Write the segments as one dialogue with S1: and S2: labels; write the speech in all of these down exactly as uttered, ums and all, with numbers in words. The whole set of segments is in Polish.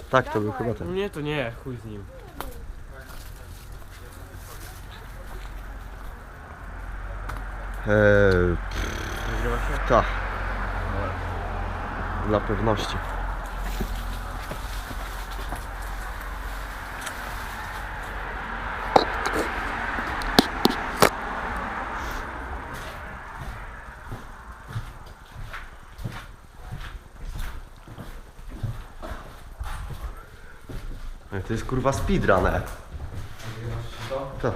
S1: Tak, to był chyba ten.
S2: Nie, to nie, chuj z nim.
S1: Eee,
S2: Nagrywa się?
S1: tak. Dla pewności. Ej, to jest kurwa speedrunner. Tak.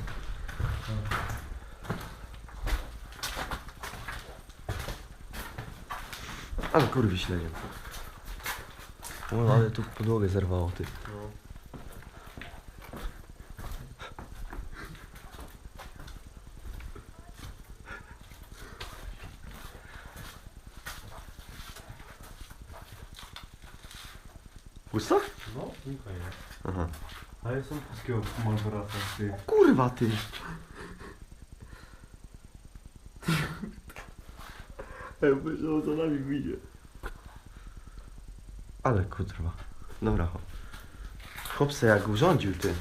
S1: Ale kurwi śledzie. O, ale tu podłogę zerwało, ty.
S2: No.
S1: Pusto?
S2: No, tylko nie.
S1: Aha.
S2: Ale są polskiego Malborasa, ty.
S1: Kurwa, ty.
S2: Ja myślałem, co nami wyjdzie.
S1: Ale kurwa. Dobra, hop. Chłop se jak urządził, ty.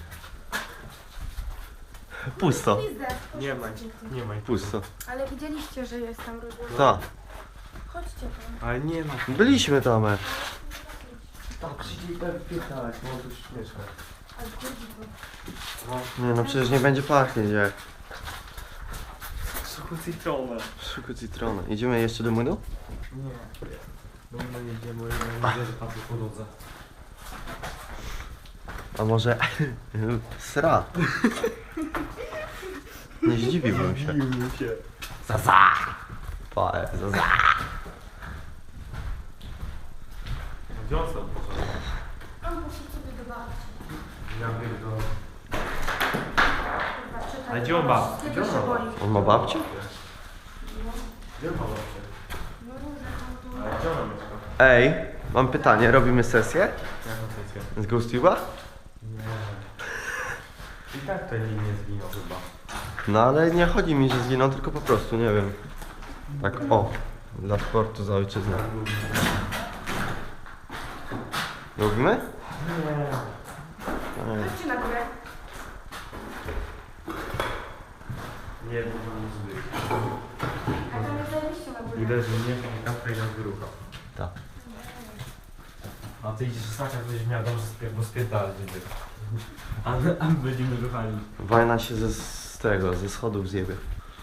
S1: Pusto.
S3: Pizdę.
S2: Nie ma, nie ma.
S1: Pusto.
S3: Ale widzieliście, że jest tam rozłożone.
S1: Tak.
S3: Chodźcie tam.
S2: Ale nie ma.
S1: Byliśmy tam, e.
S2: Tak, przyjdzie i tak pytać, bo on tu mieszka.
S3: Ale chodzi to.
S1: Nie no, przecież nie będzie pachnieć jak.
S2: Sucho citronę.
S1: Szuku citrona. Idziemy jeszcze do młynu?
S2: Nie. No my jedziemy, no nie wierzę, patrzę po drodze.
S1: A może... Sra. Nie zdziwiłbym się.
S2: Zdziwiłbym się.
S1: Zaza! Pae, zaza!
S2: Wiosę poszedł.
S3: On musi sobie do babci.
S2: Ja pierdolę.
S3: Kurwa, czytaj.
S2: Ale gdzie on ba?
S3: Tego
S2: Gdzie on
S3: się
S2: ma?
S3: boi.
S1: On ma babcię?
S2: Gdzie ma babcię?
S3: No różne tam tu.
S2: Ale gdzie ona mieszka?
S1: Ej, mam pytanie, robimy sesję?
S2: Jaką sesję?
S1: Z GhostTube'a?
S2: Nie. I tak to nie zginął chyba.
S1: No ale nie chodzi mi, że zginął, tylko po prostu, nie wiem. Tak, o. Dla sportu za ojczyznę. Robimy?
S2: Nie.
S1: Ej.
S3: Chodźcie na górę.
S2: Nie, bo to nie zły.
S3: A tam jest zajście na górę.
S2: Idę, że nie mam kafę i na wyrucha.
S1: Tak.
S2: A ty idziesz tak, jak będziesz miał dobrze spier- bo spierdalać będzie. A my, a my będziemy ruchali.
S1: Wajna się ze, z tego, ze schodów zjebie.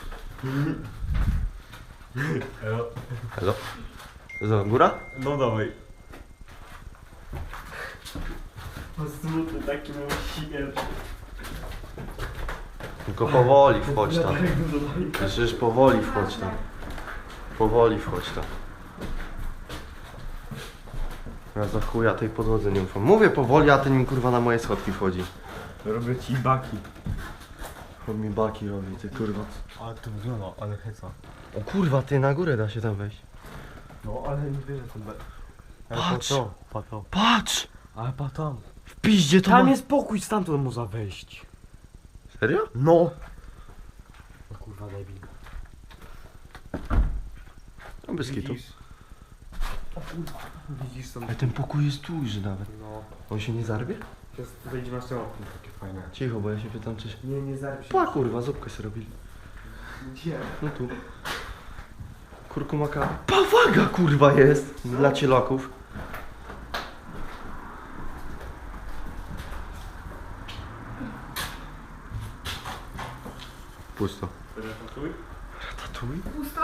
S2: Elo.
S1: Hello? Co, góra?
S2: No dawaj. No smutny taki mam śmierć.
S1: Tylko powoli wchodź tam. Przecież powoli wchodź tam. Powoli wchodź tam. Ja za chuja tej podłodze nie ufam. Mówię powoli, a ten mi kurwa na moje schodki wchodzi.
S2: Robię ci baki.
S1: On mi baki robi, ty kurwa.
S2: Ale to wygląda, ale heca.
S1: O kurwa, ty na górę da się tam wejść.
S2: No ale nie wierzę to be...
S1: Patrz!
S2: to, pa to.
S1: Patrz!
S2: Ale pa tam.
S1: W piździe to
S2: Tam
S1: ma...
S2: jest pokój, stamtąd można wejść.
S1: Serio?
S2: No. O kurwa debil.
S1: No bez kitu.
S2: O kurwa. Widzisz tam.
S1: Ale ten pokój jest duży nawet.
S2: No.
S1: On się nie zarwie?
S2: Teraz wejdzie masz te okno takie fajne.
S1: Cicho, bo ja się pytam czy się...
S2: Nie, nie zarwie się.
S1: Pa kurwa, zupkę sobie robili.
S2: Gdzie?
S1: No tu. Kurkumaka. Pawaga kurwa jest! Dla cielaków. Pusto.
S2: Ratatuj?
S1: Tatuj?
S3: Pusto.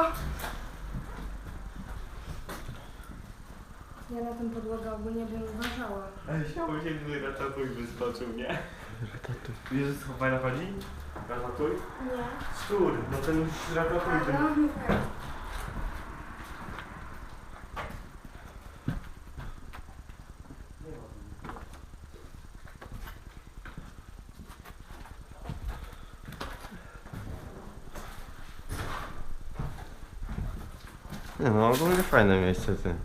S3: Ja na tę podłogę ogólnie bym uważała.
S2: Ale chciałbym się, gdyby ratatuj wyskoczył, nie?
S1: Tatuj.
S2: Wiesz, że co fajna chodzi? Ratatuj?
S3: Nie.
S2: Szczur, no ten ratatuj ten...
S3: No, nie wiem.
S1: Nie no, ogólnie fajne miejsce ty.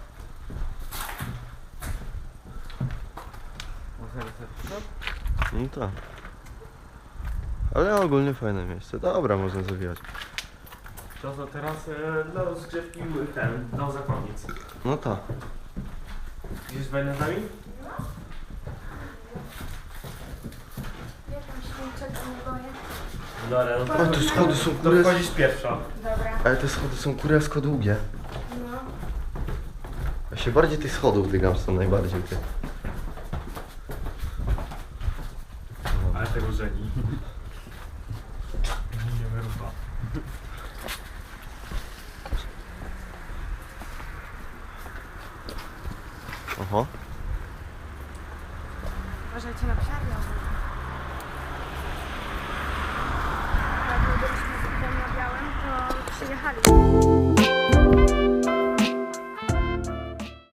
S1: No tak. Ale ogólnie fajne miejsce. Dobra, można zawijać.
S2: To co teraz e, dla rozgrzewki ten, do zakładnic.
S1: No tak.
S2: Idziesz wejdę z nami?
S3: Ja tam się niczego nie boję.
S2: Dobra, no to,
S1: O, te schody są
S2: to
S1: kurwa.
S2: wchodzisz pierwsza.
S3: Dobra.
S1: Ale te schody są kurewsko długie.
S3: No.
S1: Ja się bardziej tych schodów dygam, są najbardziej te.
S2: Ale tego żeni. Nie wyrucha.
S1: Oho.
S3: Uważajcie na psiarnię. Jak byliśmy z tym na białym, to przyjechali.